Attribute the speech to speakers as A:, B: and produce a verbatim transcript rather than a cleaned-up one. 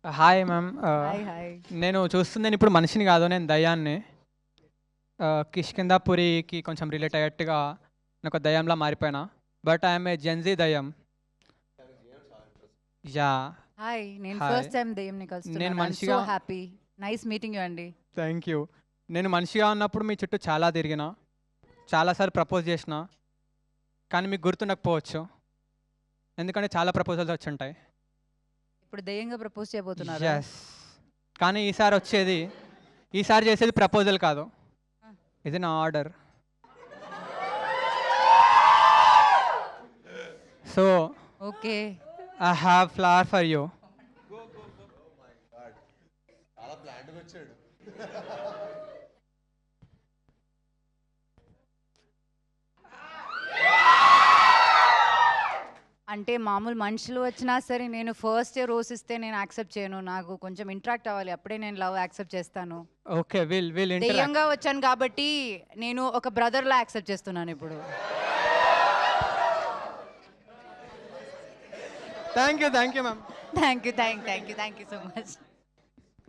A: Hi ma'am.
B: Hi hi
A: నేను చూస్తుంది నేను ఇప్పుడు మనిషిని కాదు, నేను దయ్యాన్ని. కిష్కిందాపురికి కొంచెం రిలేట్ అయ్యేట్టుగా నేను ఒక దయ్యంలా మారిపోయినా. బట్ ఐఎమ్ ఏ జెన్జీ దయ్యం. యా
B: హాయ్ నేను
A: హాయ్.
B: ఫస్ట్ టైం దెయ్యంని
A: నేను
B: కలుస్తున్నాను. ఐ యామ్ సో
A: మనిషిగా
B: హ్యాపీ. నైస్ మీటింగ్ యూ అండి.
A: Thank you. నేను మనిషిగా ఉన్నప్పుడు మీ చుట్టూ చాలా తిరిగిన, చాలాసార్లు ప్రపోజ్ చేసిన, కానీ మీకు గుర్తుండకపోవచ్చు, ఎందుకంటే చాలా ప్రపోజల్స్ వచ్చి ఉంటాయి.
B: ఇప్పుడు దెయ్యంగా ప్రపోజ్ చేయబోతున్నారు.
A: ఎస్, కానీ ఈసారి వచ్చేది ఈసారి చేసేది ప్రపోజల్ కాదు, ఇది నా order. So
B: okay
A: I have flower for you.
B: అంటే మామూలు మనుషులు వచ్చినా సరే నేను ఫస్ట్ రోజ్ ఇస్తే నేను యాక్సెప్ట్ చేయను. నాకు కొంచెం ఇంటరాక్ట్ అవ్వాలి, అప్పుడే నేను లవ్ యాక్సెప్ట్ చేస్తాను.
A: ఓకే, విల్ విల్
B: దెయ్యంగా వచ్చాను కాబట్టి నేను ఒక బ్రదర్లా యాక్సెప్ట్ చేస్తున్నాను ఇప్పుడు.
A: Thank you thank you ma'am.
B: Thank you thank thank you thank you so much.